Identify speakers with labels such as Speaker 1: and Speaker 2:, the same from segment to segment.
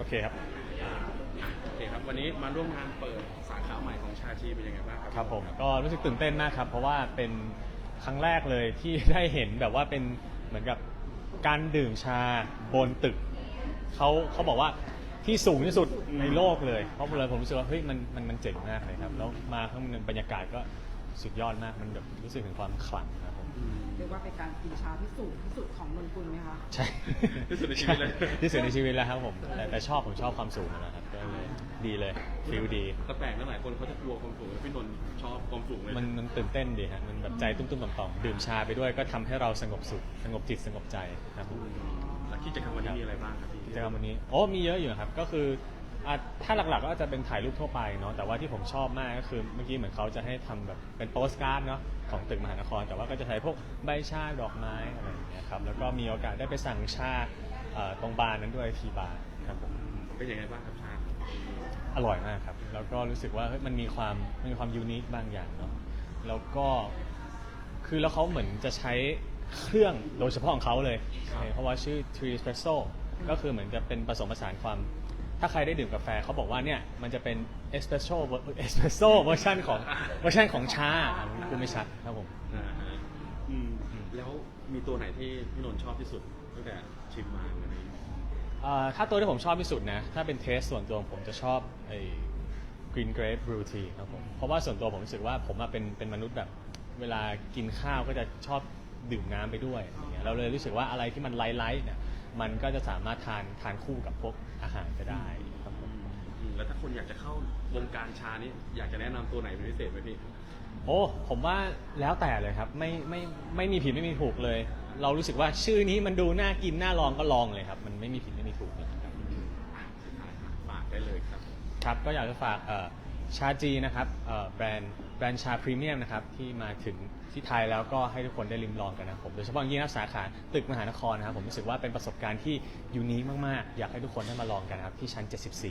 Speaker 1: เคครับ
Speaker 2: โอเคครับวันนี้มาร่วมงานเปิดสาขาใหม่ของชาชีเป็นยังไงบ้างครับ
Speaker 1: ครับผมก็รู้สึกตื่นเต้นมากครับเพราะว่าเป็นครั้งแรกเลยที่ได้เห็นแบบว่าเป็นเหมือนกับการดื่มชาบนตึกเขาบอกว่าที่สูงที่สุดในโลกเลยเพราะเลยผมรู้สึกว่าเฮ้ยมันเจ๋งมากเลยครับแล้วมาข้างในบรรยากาศก็สุดยอดมากมันแบบรู้สึกถึงความขลังครับผม
Speaker 3: เรียกว่าเป็นการกินชาที่สูงที่สุดของนนกุลไหมคะ
Speaker 1: ใช่
Speaker 2: ที่สุดในชีวิตเลย
Speaker 1: ที่สุดในชีวิตแล้วครับผมแต่ผมชอบความสูงนะครับก็เลยดีเลยฟีลดี
Speaker 2: แต่แปลกนะหลายคนเขาจะกลัวความสูงแล้วพี่นนท์ชอบความสูงเลย
Speaker 1: มันตื่นเต้นดีฮะมันแบบใจตุ้มๆต่อมๆดื่มชาไปด้วยก็ทำให้เราสงบสุขสงบจิตสงบใจครับผม
Speaker 2: แล้วกิจกรรมวันนี้มีอะไรบ้างครับพี่
Speaker 1: กิจกรรมวันนี้มีเยอะอยู่ครับก็คือถ้าหลักๆก็จะเป็นถ่ายรูปทั่วไปเนาะแต่ว่าที่ผมชอบมากก็คือเมื่อกี้เหมือนเขาจะให้ทำแบบเป็นโปสการ์ดเนาะของตึกมหานครแต่ว่าก็จะใช้พวกใบชาดอกไม้อะไรอย่างเงี้ยครับแล้วก็มีโอกาสได้ไปสั่งชาตรงบาร์นั้นด้วยทีบาร์ครับผม
Speaker 2: เป็นยังไงบ้างครับชา
Speaker 1: อร่อยมากครับแล้วก็รู้สึกว่ามันมีความยูนิคบางอย่างเนาะแล้วก็คือแล้วเขาเหมือนจะใช้เครื่องโดยเฉพาะของเขาเลยเพราะว่าชื่อ Tree Espresso ก็คือเหมือนจะเป็นผสมผสานความถ้าใครได้ดื่มกาแฟเขาบอกว่าเนี่ยมันจะเป็นเอสเปรสโซ่เวอร์ชันของชากูไม่ชัดครับผม
Speaker 2: แล้วมีตัวไหนที่พี่นนท์ชอบที่สุดตั้งแต่ชิมมาวันนี้
Speaker 1: ถ้าตัวที่ผมชอบที่สุดนะถ้าเป็นเทสส่วนตัวผมจะชอบไอ้ Green Grape Brew Tea ครับผมเพราะว่าส่วนตัวผมรู้สึกว่าผมเป็นมนุษย์แบบเวลากินข้าวก็จะชอบดื่มน้ำไปด้วยอย่างเงี้ยเราเลยรู้สึกว่าอะไรที่มันไลท์เนี่ยมันก็จะสามารถทานคู่กับพวกอาหารก็ได้ครับผม
Speaker 2: แล้วถ้าคนอยากจะเข้าวงการชานี้อยากจะแนะนำตัวไหนเป็นพิเศษไหมพี่
Speaker 1: ผมว่าแล้วแต่เลยครับไม่มีผิดไม่มีถูกเลยเรารู้สึกว่าชื่อนี้มันดูน่ากินน่าลองก็ลองเลยครับมันไม่มีผิดไม่มีถูกเลยครับ
Speaker 2: ฝากได้เลยครับ
Speaker 1: ครับก็อยากจะฝากชาจีนะครับแบรนด์ชาพรีเมียมนะครับที่มาถึงที่ไทยแล้วก็ให้ทุกคนได้ลิ้มลองกันนะผมโดยเฉพาะยิ่งสาขาตึกมหานครนะครับผมรู้สึกว่าเป็นประสบการณ์ที่ยูนิคมากๆอยากให้ทุกคนได้มาลองกันครับที่ชั้น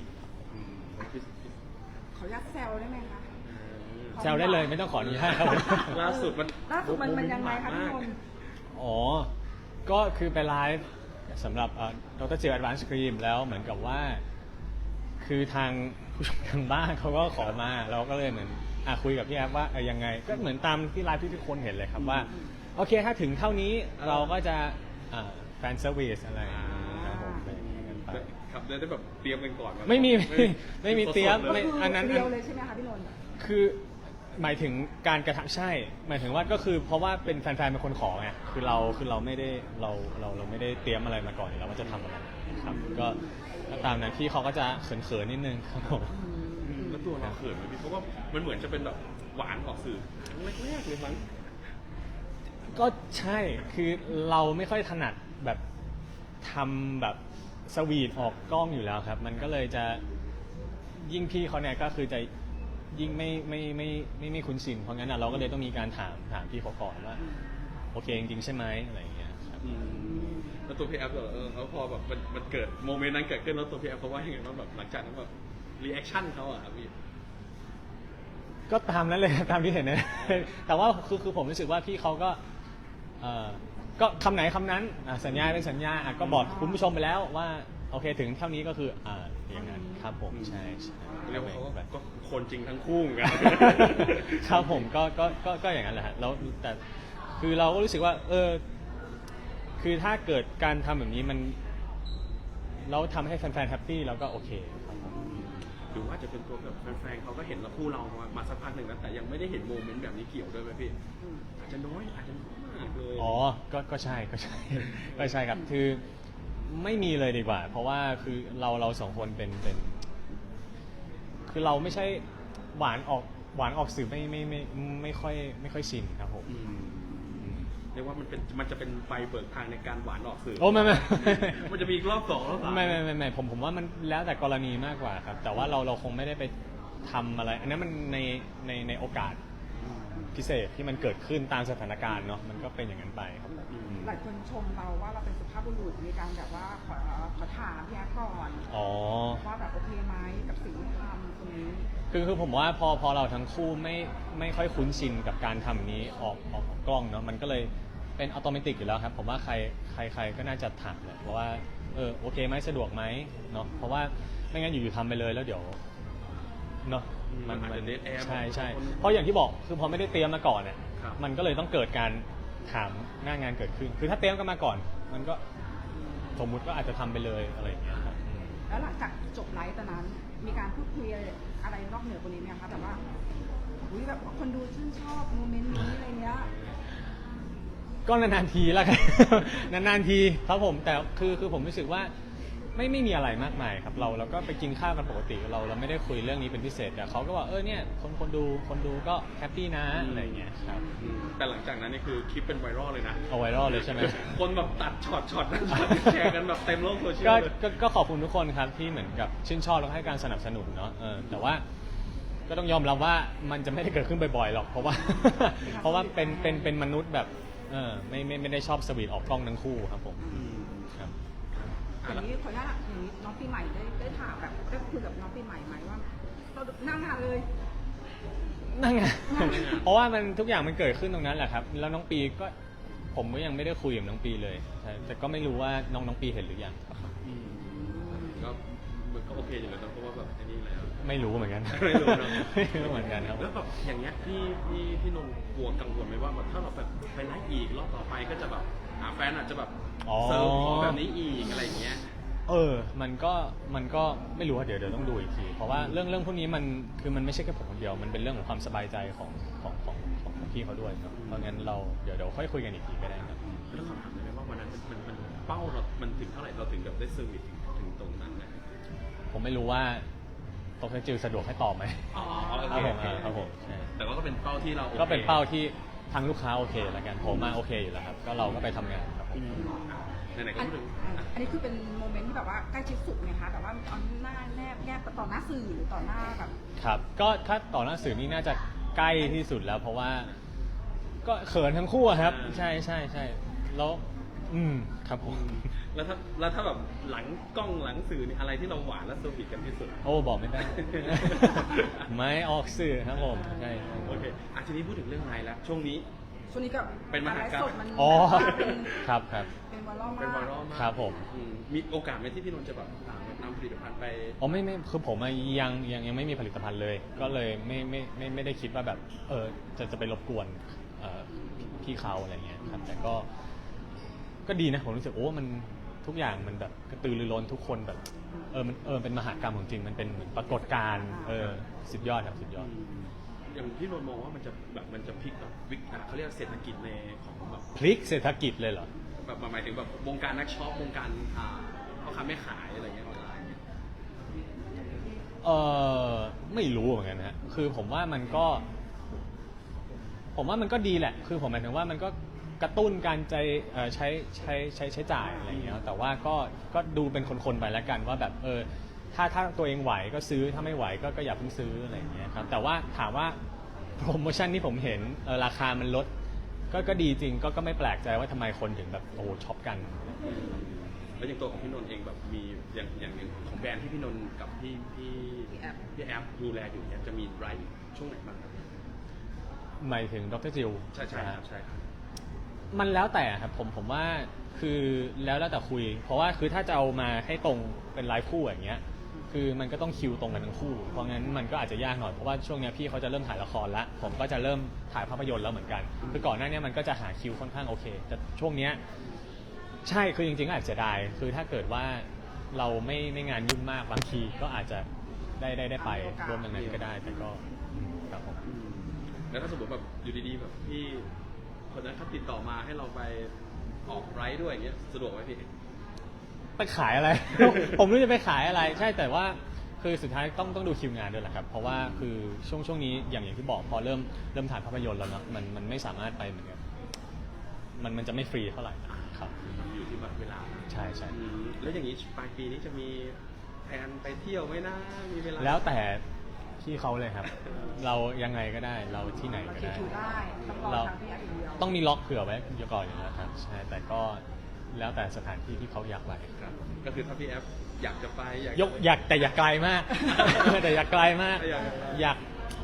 Speaker 1: 74
Speaker 3: ขออนุญาตแซวได้ไหมคะ
Speaker 1: แซวได้เลยไม่ต้องขออนุญาตครับ
Speaker 2: ล่าสุดมัน
Speaker 3: ยังไงคะพี่นนท์
Speaker 1: ก็คือไปไลฟ์สำหรับดร. จิว Advanced Cream แล้วเหมือนกับว่าคือทางผู้ชมทางบ้านเขาก็ขอมาเราก็เลยเหมือนคุยกับพี่แอฟว่ายังไงก็เหมือนตามที่ไลฟ์ที่ทุกคนเห็นเลยครับว่าโอเคถ้าถึงเท่านี้เราก็จะแฟนเซอร์วิสอะไรครับผม
Speaker 2: ครับได้แบบเตรียมกันก่อน
Speaker 1: ไม่มีเตรียม
Speaker 3: อันนั้นเดียวเลยใช่ไหมคะพี่นนท์
Speaker 1: คือหมายถึงการกระทำใช่หมายถึงว่าก็คือเพราะว่าเป็นแฟนๆเป็นคนขอไงคือเราไม่ได้เราไม่ได้เตรียมอะไรมาก่อนแล้วว่าจะทำอะไรครับก็ตามนั้นพี่เขาก็จะเขินๆนิดนึงครับผม
Speaker 2: แล้วตัวเราเขินไหมพี่เพราะว่ามันเหมือนจะเป็นแบบหวานออกสื่อแรกๆเลยมั้ง
Speaker 1: ก็ใช่คือเราไม่ค่อยถนัดแบบทำแบบสวีทออกกล้องอยู่แล้วครับมันก็เลยจะยิ่งพี่เขาเนี่ยก็คือจะยิ่งไม่คุ้นชินเพราะงั้นเราก็เลยต้องมีการถามพี่เขาก่อนว่าโอเคจริงๆใช่ไหมอะไรอย่างเงี้ยครับ
Speaker 2: แล้วตัวพี่แอฟแล้วพอแบบมันเกิดโมเมนต์นั้นเกิดขึ้นแล้วตัวพี่แอฟเขาว่ายังไงบ้างแบบหลังจากนั้นแบบรีแอคชั่นเขาอะครับพี่
Speaker 1: ก็ตามนั้นเลยตามที่เห็นนะแต่ว่าคือผมรู้สึกว่าพี่เขาก็คำไหนคำนั้นสัญญาเป็นสัญญาก็บอกคุณผู้ชมไปแล้วว่าโอเคถึงเท่านี้ก็คืออย่างนั้นครับผมใช่
Speaker 2: เรียกว่าเขาก็คนจริงทั้งคู่เหมือนกัน
Speaker 1: ครับผมก็อย่างนั้นแหละฮะแล้วแต่คือเราก็รู้สึกว่าคือถ้าเกิดการทำแบบนี้มันเราทำให้แฟนๆแฮปปี้เราก็โอเคครับผม
Speaker 2: หรือว่าจะเป็นตัวแบบแฟนๆเขาก็เห็นเราคู่เรามาสักพักหนึ่งแล้วแต่ยังไม่ได้เห็นโมเมนต์แบบนี้เกี่ยวด้วยไหมพี่อาจจะน้อยอาจจะมากเลย
Speaker 1: ก็ใช่ครับคือไม่มีเลยดีกว่าเพราะว่าคือเราสองคนเป็นคือเราไม่ใช่หวานออกสื่อไม่ค่อยชินครับผม
Speaker 2: เรียกว่ามันจะเป็นไฟเบิกทางในการหวานออกสื่อ
Speaker 1: ไม่
Speaker 2: มันจะมีรอบสองรอบสาม
Speaker 1: ไม่ผมว่ามันแล้วแต่กรณีมากกว่าครับแต่ว่าเราคงไม่ได้ไปทำอะไรอันนั้นมันในโอกาสพิเศษที่มันเกิดขึ้นตามสถานการณ์เนาะมันก็เป็นอย่างนั้นไปครับ
Speaker 3: หลายคนชมเราว่าเราเป็นสุภาพบุรุษมีการแบบว่าขอถามพี่แอฟก่อนว่าแบบโอเคไหมกับสิ่งที่ทำตรงนี้
Speaker 1: คือผมว่าพอเราทั้งคู่ไม่ค่อยคุ้นชินกับการทำนี้ออกกล้องเนาะมันก็เลยเป็นอัตโนมัติอยู่แล้วครับผมว่าใครก็น่าจะถามแหละเพราะว่าโอเคไหมสะดวกไหมเนาะเพราะว่าไม่งั้นอยู่ๆทำไปเลยแล้วเดี๋ยวเนาะ
Speaker 2: มันอาจจะ dead air
Speaker 1: ใช่เพราะอย่างที่บอกคือพอไม่ได้เตรียมมาก่อนเนี่ย
Speaker 2: ครับ
Speaker 1: มันก็เลยต้องเกิดการถามหน้างานเกิดขึ้นคือถ้าเตรียมกันมาก่อน มันก็สมมุติก็อาจจะทำไปเลยอะไรอย่างเงี้ยครับ
Speaker 3: แล้วหลังจากจบไลฟ์ตอนนั้น มีการพูดคุยอะไรนอกเหนือกว่านี้ไหมคะแบบว่าอุ๊ยแบบคนดูชื่นชอบโมเมนต์นี้อะไรเงี้ย
Speaker 1: ก็นานๆทีแล้วกัน นานๆทีครับผมแต่คือผมรู้สึกว่าไม่มีอะไรมากมายครับเราก็ไปกินข้าวกันปกติเราไม่ได้คุยเรื่องนี้เป็นพิเศษแต่เขาก็ว่าเนี่ยคนดูก็แฮปปี้นะอะไรอย่างเงี้ยครับ
Speaker 2: แต่หลังจากนั้นนี่คือคลิปเป็นไวรัลเลยนะ
Speaker 1: เอาไวรัลเลยใช่ไหม
Speaker 2: คนแบบตัดช็อตนั้นแชร์กันแบบเต็มโลกโซเชียลเลย
Speaker 1: ก็ขอบคุณทุกคนครับที่เหมือนกับชื่นชอบแล้วก็ให้การสนับสนุนเนาะแต่ว่าก็ต้องยอมรับว่ามันจะไม่ได้เกิดขึ้นบ่อยๆหรอกเพราะว่าเป็นมนุษย์แบบไม่ได้ชอบสวีทออกกล้องทั้งคู่ครับผมครับ
Speaker 3: อย่างนี้ขออนุญาตอย่างนี้น้องปีใหม่ได้ถามแบบได้คุยกับน้องปีใหม่ไหมว่าเรานั่งงานเลย
Speaker 1: นั่นไง เพราะว่ามันทุกอย่างมันเกิดขึ้นตรงนั้นแหละครับ แล้วน้องปีก็ผมก็ยังไม่ได้คุยกับน้องปีเลยใช่แต่ก็ไม่รู้ว่าน้องปีเห็นหรือยัง
Speaker 2: ก็มันก็โอเคอยู่แล้วนะเพราะว่าแบบอันนี้แล้ว
Speaker 1: ไม่รู้เหมือนกัน
Speaker 2: ไม่รู้เนอะ
Speaker 1: ไม่รู้เหมือนกันครับ
Speaker 2: แล้วแบบอย่างเงี้ยพี่นนท์กลัวกังวลไหมว่าแบบถ้าเราแบบไปไลฟ์อีกรอบต่อไปก็จะแบบแฟนอาจจะแบบเซิร์ฟของแบบนี้อีกอะไรอย่างเงี้ย
Speaker 1: มันก็ไม่รู้ว่าเดี๋ยวต้องดูอีกที เพราะว่าเรื่องพวกนี้มันไม่ใช่แค่ผมคนเดียว มันเป็นเรื่องของความสบายใจของพี่เขาด้วยครับเพราะงั้นเราเดี๋ยวค่อยคุยกันอีกทีก็ได้ครับ
Speaker 2: แล้วคำถามได้ไหมว่าวันนั้นมันเป้าเรามันถึงเท่าไหร่เราถึงแบบได้เซอร์วิสถึงตรงนั้นนะ
Speaker 1: ผมไม่รู้ว่าตกจิวสะดวกให้ตอบไหม
Speaker 2: อ๋อ
Speaker 1: ครับผมใช่
Speaker 2: แต่ก็เป็นเป้าที่เราโอค
Speaker 1: ก็เป็นเป้าที่ทางลูกค้าโอเคแล้วกันผมโอเคอยู่แล้วครับก็เราก็ไปทำงานครับผม
Speaker 2: ไหนๆก็พูดถึง
Speaker 3: อันนี้คือเป็นโมเมนต์ที่แบบว่าใกล้ชิดสุดไหมคะแบบว่าเอาหน้าแนบต่อหน้าสื่อหรือต่อหน้าแบบ
Speaker 1: ครับก็ถ้าต่อหน้าสื่อนี่น่าจะใกล้ที่สุดแล้ว เพราะว่าก็เขินทั้งคู่อะครับ ใช่แล้วครับผม
Speaker 2: แล้วถ้าแบบหลังกล้องหลังสื่อนี่อะไรที่เราหวานและเซอร์วิสกันที่สุด
Speaker 1: โอ้บอกไม่ได้ ไม่ออกสื่อครับผมใช่
Speaker 2: โอเคทีนี้พูดถึงเรื่องไลน์แล้วช่วงนี้
Speaker 3: ช่วงนี้ก็
Speaker 2: เป็นมหากาพย์
Speaker 3: ไลฟ์สดมัน
Speaker 1: อ๋อ
Speaker 3: เป็น
Speaker 1: ครับ
Speaker 3: เป็นไวรัล
Speaker 2: เป็นไว
Speaker 3: มาก
Speaker 2: รัลมาก
Speaker 1: ครับผม
Speaker 2: มีโอกาสไหมที่พี่นนท์จะแบบนำผลิตภัณฑ์ไป
Speaker 1: อ๋อไม่คือผมยังไม่มีผลิตภัณฑ์เลย ก็เลยไม่ได้คิดว่าแบบจะไปรบกวนพี่เขาอะไรเงี้ยครับแต่ก็ดีนะผมรู้สึกมันทุกอย่างมันแบบกระตือรือร้นทุกคนแบบมันเป็นมหากรรมของจริงมันเป็นเหมือนปรากฏการณ์สุดยอดครับสุดยอด
Speaker 2: อย่างพี่นนท์มองว่ามันจะพลิกแบบเขาเรียกเศรษฐกิจในของแบบ
Speaker 1: พลิกเศรษฐกิจเลยเหรอ
Speaker 2: แบบหมายถึงแบบวงการนักช็อปวงการพ่อค้าแม่ขายอะไรเงี้ยออนไลน์เนี่ย
Speaker 1: ไม่รู้เหมือนกันฮะคือผมว่ามันก็ดีแหละคือผมหมายถึงว่ามันก็กระตุ้นการใช้จ่ายอะไรอย่างเงี้ยแต่ว่าก็ดูเป็นคนๆไปแล้วกันว่าแบบถ้าตัวเองไหวก็ซื้อถ้าไม่ไหวก็อย่าเพิ่งซื้ออะไรอย่างเงี้ยครับแต่ว่าถามว่าโปรโมชั่นที่ผมเห็นราคามันลดก็ดีจริงก็ไม่แปลกใจว่าทำไมคนถึงแบบช็อปกัน
Speaker 2: แล้วอย่างตัวของพี่นนท์เองแบบมีอย่างของแบรนด์ที่พี่นนท์กับพี่แอปดูแลอยู่เนี่ยจะมีไลฟ์ช่วงไหนบ้างครับ
Speaker 1: หมายถึงดรจิว
Speaker 2: ใช่ครับ
Speaker 1: มันแล้วแต่ครับผมว่าคือแล้วแต่คุย เพราะว่าคือถ้าจะเอามาให้ตรงเป็นไลฟ์คู่อย่างเงี้ยคือมันก็ต้องคิวตรงกันทั้งคู่เพราะงั้นมันก็อาจจะยากหน่อยเพราะว่าช่วงนี้พี่เขาจะเริ่มถ่ายละครแล้วผมก็จะเริ่มถ่ายภาพยนตร์แล้วเหมือนกันคือก่อนหน้านี้มันก็จะหาคิวค่อนข้างโอเคแต่ช่วงเนี้ยใช่คือจริงๆอาจจะเสียดายคือถ้าเกิดว่าเราไม่งานยุ่งมากบางทีก็อาจจะได้ไปร่วมตรงนั้นก็ได้แต่ก็ครับผม
Speaker 2: แล้วถ้าสมมติแบบอยู่ดีๆแบบพี่คนนั้นเขาติดต่อมาให้เราไปออกไลฟ์ด้วยอย่างเงี้ยสะดวกไหมพี่
Speaker 1: ไปขายอะไร ผมไม่รู้จะไปขายอะไรใช่แต่ว่าคือสุดท้ายต้องดูคิวงานด้วยแหละครับเพราะว่าคือช่วงนี้อย่างที่บอกพอเริ่มถ่ายภาพยนตร์แล้วเนาะมันไม่สามารถไปเหมือนกันมันจะไม่ฟรีเท่าไหร่ครับ
Speaker 2: อยู่ที่เวลา
Speaker 1: ใช่
Speaker 2: แล้วอย่างนี้ปลายปีนี้จะมีแผนไปเที่ยวไหมนะมีเวลา
Speaker 1: แล้วแต่พี่เขาเลยครับ เรายังไงก็ได้เราที่ไหน
Speaker 3: เรา
Speaker 1: ก็
Speaker 3: คิด
Speaker 1: ได้
Speaker 3: ถือได้ต้องรอทางพี่แอปอย่างเดียว
Speaker 1: ต้องมีล็อกเผื่อไว้ก่อนอยู่แล้วครับใช่แต่ก็แล้วแต่สถานที่ที่เขาอยากไป
Speaker 2: ครับก็คือถ้าพี่แอฟอยากจะไป
Speaker 1: อยากแต่อย่าไกลมาก แต่อย่าไกลมาก
Speaker 2: อยาก
Speaker 1: อยาก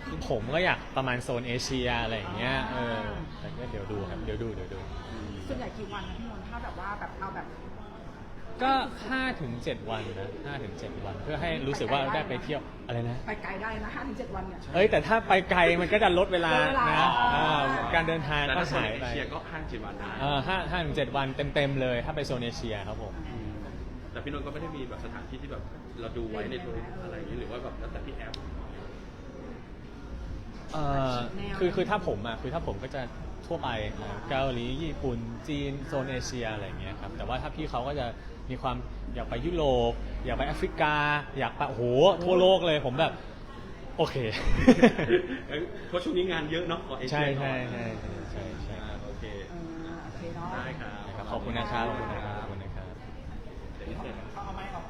Speaker 1: คือผมก็อยากประมาณโซนเอเชียอะไรอย่างเงี้ยแต่ก็เดี๋ยวดูครับเดี๋ยวดู
Speaker 3: ส่วนใหญ่กี่วันนะพี่นนท์ถ้าแบบว่าแบบเอาแบบ
Speaker 1: ก็5-7 วันนะ5-7 วัน เพื่อให้รู้สึกว่าได้ไปเที่ยวอะไรนะ
Speaker 3: ไปไกลได้นะ5-7 วันเนี่ย
Speaker 1: แต่ถ้าไปไกลมันก็จะลดเวลา
Speaker 3: ลดเวลา
Speaker 1: นะการเดินทาง
Speaker 2: แต่
Speaker 1: ก็
Speaker 2: ถ้าโซน
Speaker 1: หาย
Speaker 2: เอ
Speaker 1: ไป
Speaker 2: เชียก็5-7 วันได้
Speaker 1: 5-7 วันเต็มๆเลยถ้าไปโซนเอเชียครับผม
Speaker 2: แต่พี่นนท์ก็ไม่ได้มีแบบสถานที่ที่แบบเราดูไว้ในตัวอะไรอย่างนี้หรือว่าแบบแล้วแต่พี่แอฟ
Speaker 1: คือถ้าผมก็จะทั่วไปเกาหลีญี่ปุ่นจีนโซนเอเชียอะไรอย่างเงี้ยครับแต่ว่าถ้าพี่เขาก็จะมีความอยากไปยุโรปอยากไปแอฟริกา อยากไปโอ้โหทั่วโลกเลยผมแบบโอเค
Speaker 2: เพราะช่วงนี้งานเยอะเนาะขอเอเชี
Speaker 1: ใช่
Speaker 2: ยก่อน
Speaker 1: ใช่
Speaker 2: โอเค
Speaker 3: โอเคเนาะ
Speaker 2: ได้ครับ
Speaker 1: ขอบคุณนะครับขอบคุณนะครับ
Speaker 2: เดี๋ยวนี้เสร็จ
Speaker 3: เอาไม้ออก